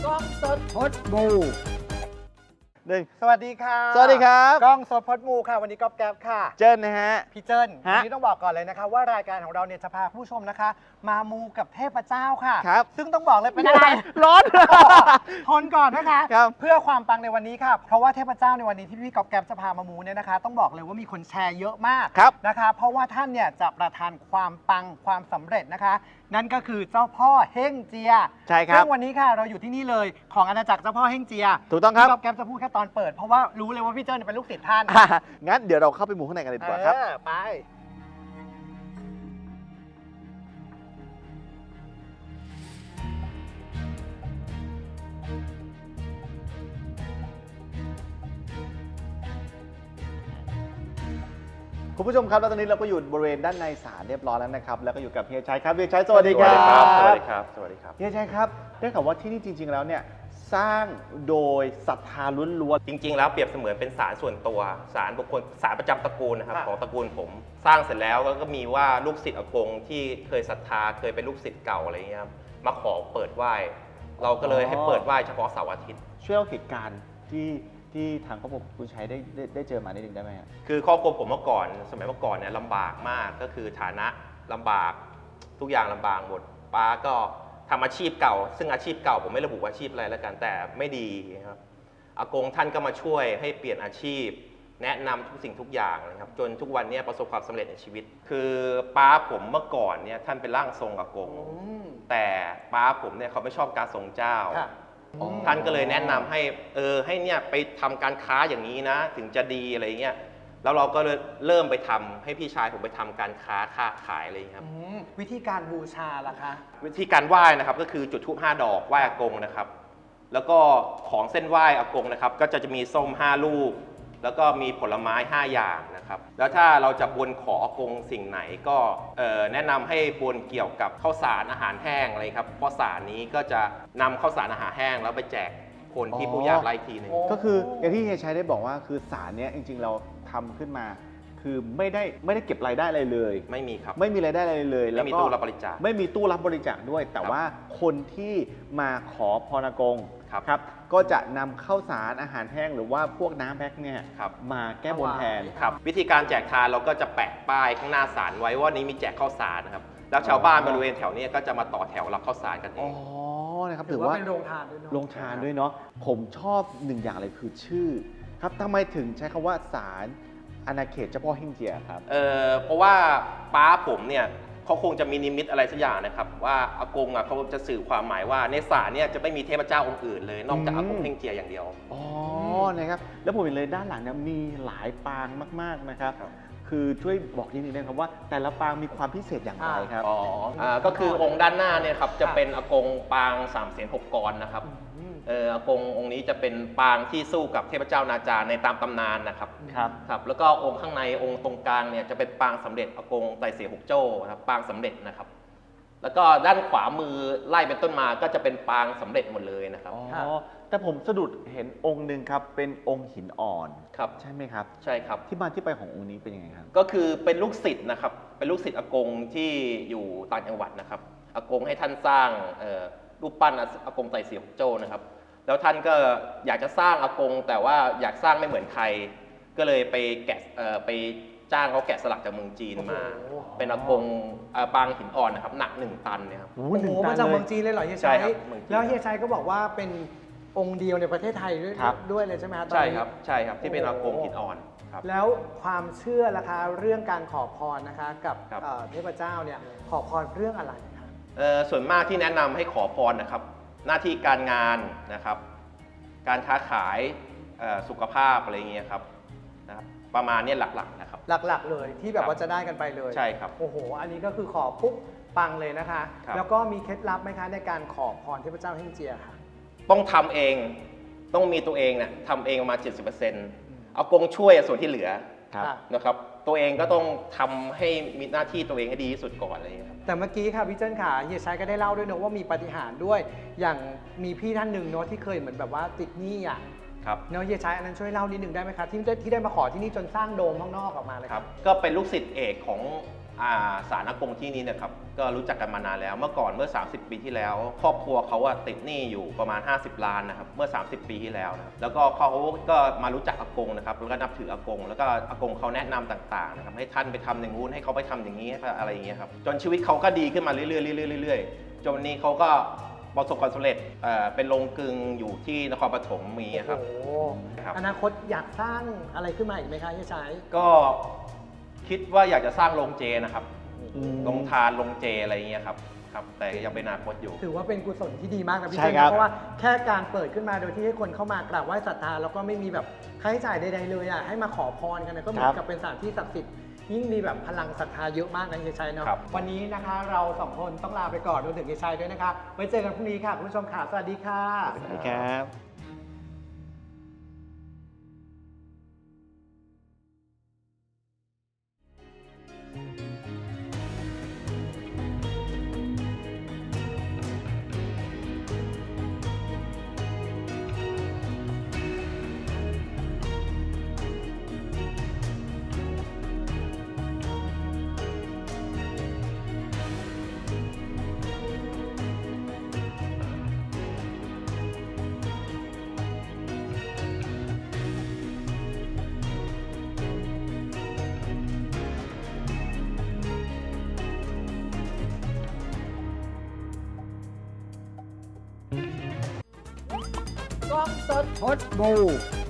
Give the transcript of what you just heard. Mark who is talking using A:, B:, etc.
A: กล้องสดพดบู
B: สวัสดีค่ะ
C: สวัสดีครับ
B: กล้องสดพดมูค่ะวันนี้ก๊อฟแก๊ปค่ะ
C: เจิ้นนะฮะ
B: พี่เจิ้น
C: ฮะ
B: วันนี้ต้องบอกก่อนเลยนะคะว่ารายการของเราเนี่ยจะพาผู้ชมนะคะ มามูกับเทพเจ้าค่ะ
C: ครับ
B: ซึ่งต้องบอกเลยเป็นอะไร
C: ร้อน
B: ทนก่อนนะคะ
C: ครับ
B: เพื่อความปังในวันนี้ค่ะ เพราะว่าเทพเจ้าในวันนี้ที่พี่ก๊อฟแก๊ปจะพามามูเนี่ยนะคะ ต้องบอกเลยว่ามีคนแชร์เยอะมาก
C: ครับ
B: นะคะ เพราะว่าท่านเนี่ยจะประทานความปังความสำเร็จนะคะ นั่นก็คือเจ้าพ่อเฮ่งเจีย
C: ใช่ครับ
B: ซึ่งวันนี้ค่ะเราอยู่ที่นี่เลยของอาณาจักรเจ้าพ่อเฮ่งเจีย
C: ถูกต้องครับ
B: พี่ก๊อฟแก๊ปจะพูดแค่ตอนเปิดเพราะว่ารู้เลยว่าพี่เจิ้นเป็นลูกศิษย์ท่าน
C: งั้นเดี๋ยวเราเข้าไปหมู่ข้างในกันเลยดีกว่าครับ
B: ไป
C: คุณผู้ชมครับแล้วตอนนี้เราก็อยู่บริเวณด้านในศาลเรียบร้อยแล้วนะครับ แล้วก็อยู่กับเฮียชัยครับเฮียชัยสวัสดีครับ
A: สวัสดีครับ สวัสดีครับ
C: เฮียชัยครับได้ข่าวว่าที่นี่จริง ๆ แล้วเนี่ยสร้างโดยศรัทธาล้วน
A: จริง ๆ แล้วเปรียบเสมือนเป็นศาลส่วนตัวศาลบุคคลศาลประจำตระกูลนะครับ
B: ค่ะ
A: ของตระกูลผม สร้างเสร็จแล้วก็มีว่าลูกศิษย์อากงที่เคยศรัทธาเคยเป็นลูกศิษย์เก่าอะไรเงี้ยครับมาขอเปิดไหว้ เราก็เลยให้เปิดไหว้เฉพาะเสาร์อาทิตย์
C: ๆช่วยเล่าเหตุการณ์ที่ทางครอบครัวคุณชัยได้เจอมานิดนึงได้ไหมฮะ
A: คือครอบครัวผมเมื่อก่อน สมัยเมื่อก่อนเนี่ยลำบากมากก็คือฐานะลำบากทุกอย่างลำบากหมดป้าก็ทำอาชีพเก่า ซึ่งอาชีพเก่าผมไม่ระบุว่าอาชีพอะไรแล้วกันแต่ไม่ดีครับอากงท่านก็มาช่วยให้เปลี่ยนอาชีพ แนะนำทุกสิ่งทุกอย่างนะครับจนทุกวันนี้ประสบความสำเร็จในชีวิต คือป้าผมเมื่อก่อนเนี่ยท่านเป็นร่างทรงอากง แต่ป้าผมเนี่ยเขาไม่ชอบการทรงเจ้า
B: ค่ะ
C: อ๋อ
A: ท่านก็เลยแนะนำให้ให้เนี่ยไปทำการค้าอย่างนี้นะ ถึงจะดีอะไรเงี้ยแล้วเราก็เลยเริ่มไปทำให้พี่ชายผมไปทำการค้าขายอะไรเงี้ยครับ
B: วิธีการบูชาล่ะคะ
A: วิธีการไหว้นะครับก็คือจุดธูป5 ดอกไหว้อากงนะครับ แล้วก็ของเส้นไหว้อากงนะครับ ก็จะมีส้ม5 ลูก แล้วก็มีผลไม้5 อย่างนะครับ แล้วถ้าเราจะบนขออากงสิ่งไหนก็แนะนำให้บนเกี่ยวกับข้าวสารอาหารแห้งอะไรครับเพราะสารนี้ก็จะนำข้าวสารอาหารแห้งแล้วไปแจกคนที่ผู้ยากไร้ทีหนึ่ง
B: โอ้
C: ก็คืออย่างที่เฮียชัยได้บอกว่าคือศาลเนี้ยจริงๆเราทำขึ้นมา คือไม่ได้เก็บรายได้อะไรเลย
A: ไม่มีครับ
C: ไม่มีรายได้อะไรเลย
A: ไม่มีตู้รับบริจาค
C: ไม่มีตู้รับบริจาคด้วย แต่ว่าคนที่มาขอพรอากง
A: ครับ
C: ครับก็จะนำข้าวสารอาหารแห้งหรือว่าพวกน้ำแพ็คเนี่ย
A: ครับ
C: มาแก้บนแทน
A: ครับวิธีการแจกทานเราก็จะแปะป้ายข้างหน้าศาลไว้ว่านี้มีแจกข้าวสารนะครับแล้วชาวบ้านบริเวณแถวนี้ก็จะมาต่อแถวรับข้าวสารกันเอ
C: อ๋อง นะครับ
B: ถื
C: ถื
B: อ
C: อ
B: ว่า
C: ว่า
B: เป็นโรงทานด้วยเนาะ
C: ลงทานด้วยเนาะผมชอบหนึ่งอย่างเลยคือชื่อ ครับทำไมถึงใช้คำว่าศาลอาณาเขตเจ้าพ่อเฮ่งเจียครับ
A: เพราะว่าป้าผมเนี่ยเขาคงจะมีนิมิตอะไรสักอย่างนะครับว่าอากงอ่ะเขาจะสื่อความหมายว่าในศาลเนี่ยจะไม่มีเทพเจ้าองค์อื่นเลย นอกจากอากงเฮ่งเจียอย่างเดียว
C: อ๋อ นะครับ แล้วผมเห็นเลยด้านหลังเนี่ยมีหลายปางมาก ๆ นะครับ
A: ครับ
C: คือช่วยบอกนิดนึงนะครับว่า แต่ละปางมีความพิเศษอย่างไรครับ
A: ก็คือองค์ด้านหน้าเนี่ยครับจะเป็นอากงปาง3 เสียน6 กรนะครับอากงองค์นี้จะเป็นปางที่สู้กับเทพเจ้านาจาในตามตำนานนะครับ
C: ครับ
A: ครับแล้วก็องค์ข้างในองค์ตรงกลางเนี่ยจะเป็นปางสำเร็จอากงไตเสียหกโจ้นะครับปางสำเร็จนะครับ แล้วก็ด้านขวามือไล่เป็นต้นมาก็จะเป็นปางสำเร็จหมดเลยนะครับ
C: อ๋อ แต่ผมสะดุดเห็นองค์หนึ่งครับ เป็นองค์หินอ่อน
A: ครับ
C: ใช่ไหมครับ
A: ใช่ครับ
C: ที่มาที่ไปขององค์นี้เป็นยังไงครับ
A: ก็คือเป็นลูกศิษย์นะครับเป็นลูกศิษย์อากงที่อยู่ต่างจังหวัดนะครับอากงให้ท่านสร้างรูปปั้นอากงไตเสียหกโจ้นะครับแล้วท่านก็อยากจะสร้างอากงแต่ว่าอยากสร้างไม่เหมือนใคร ก็เลยไปแกะไปจ้างเขาแกะสลักจากเมืองจีนมา
B: โอ้โห
A: เป็นอากงปางหินอ่อนนะครับหนัก1 ตันเนี่ยครับ
B: โอ้โหมาจากเมืองจีนเลยเหรอเฮีย
A: ใช่
B: ชัย
A: ครับเมืองจีน
B: แล้วเฮียชัยก็บอกว่าเป็นองค์เดียวในประเทศไทยด้วย
C: ครับ
B: ด้วยเลยใช่ไหมฮะตอน
A: ใช่
B: นี้
A: ครับใช่ครับที่เป็นอากงหินอ่อนครับ
B: แล้วความเชื่อล่ะคะเรื่องการขอพรนะคะกับ
A: ครับ
B: เทพเจ้าเนี่ยขอพรเรื่องอะไรคะ
A: ส่วนมากที่แนะนำให้ขอพรนะครับ หน้าที่การงานนะครับ การค้าขายสุขภาพอะไรอย่างเงี้ยครับนะครับประมาณเนี้ยหลักๆนะครับ
B: หลักๆเลยที่แบบ
A: ครับ
B: ว่าจะได้กันไปเลย
A: ใช่ครับ
B: โอ้โห อันนี้ก็คือขอปุ๊บปังเลยนะคะ
A: ครับ
B: แล้วก็มีเคล็ดลับไหมคะในการขอพรเทพเจ้าเฮ่งเจียค่ะ
A: ต้องทำเองต้องมีตัวเองเนี่ยทำเองประมาณ 70%เอากงช่วยส่วนที่เหลือ
C: ครับ
B: ค่ะ
A: นะครับตัวเองก็ต้องทำให้มีหน้าที่ตัวเองให้ดีที่สุดก่อนอะไรอย่างเงี้ยครับ
B: แต่เมื่อกี้ค่ะพี่เจิ้นค่ะเฮียชัยก็ได้เล่าด้วยเนอะว่ามีปาฏิหาริย์ด้วย อย่างมีพี่ท่านหนึ่งเนอะที่เคยเหมือนแบบว่าติดหนี้อ่ะ
A: ครับ
B: เนอะเฮียชัยอันนั้นช่วยเล่านิดหนึ่งได้ไหมคะที่ได้มาขอที่นี่จนสร้างโดมข้างนอกออกมาเลย
A: ครับก็เป็นลูกศิษย์เอกของศาลอากงที่นี่นะครับก็รู้จักกันมานานแล้วเมื่อก่อนเมื่อ 30 ปีที่แล้ว ครอบครัวเขาติดหนี้อยู่ประมาณ 50 ล้านนะครับเมื่อ 30 ปีที่แล้วนะครับแล้วก็เขาก็มารู้จักอากงนะครับแล้วก็นับถืออากงแล้วก็อากงเขาแนะนำต่างๆนะครับให้ท่านไปทำอย่างงู้นให้เขาไปทำอย่างนี้อะไรอย่างเงี้ยครับจนชีวิตเขาก็ดีขึ้นมาเรื่อยๆเรื่อยๆจนวันนี้เขาก็ประสบความสำเร็จเป็นโรงกลึงอยู่ที่นครปฐมมีครับ
B: โอ้โห
A: ครับ
B: อนาคตอยากสร้างอะไรขึ้นมาอีกไหมคะเฮียชัย
A: ก็คิดว่าอยากจะสร้างโรงเจนะครับ
C: อืม
A: โรงทานโรงเจอะไรอย่างเงี้ยครับครับ แต่ยังเป็นอนาคตอยู่
B: ถือว่าเป็นกุศลที่ดีมากนะพี่
C: ใช่
B: เจน
C: ครับ
B: เพราะว่าแค่การเปิดขึ้นมาโดยที่ให้คนเข้ามากราบไหว้ศรัทธาแล้วก็ไม่มีแบบค่าใช้จ่ายใดๆเลยอ่ะให้มาขอพรกันนะก็เหมือนกับเป็นสถานที่ศักดิ์สิทธิ์ยิ่งมีแบบพลังศรัทธาเยอะมากนะเฮียชัยเนาะ
A: ครับ
B: วันนี้นะคะเราสองคนต้องลาไปก่อนรวมถึงเฮียชัยด้วยนะคะไว้เจอกันพรุ่งนี้ค่ะคุณผู้ชมค่ะสวัสดีค่ะ
C: สวัสดีครับ
B: กล้องสดพดบู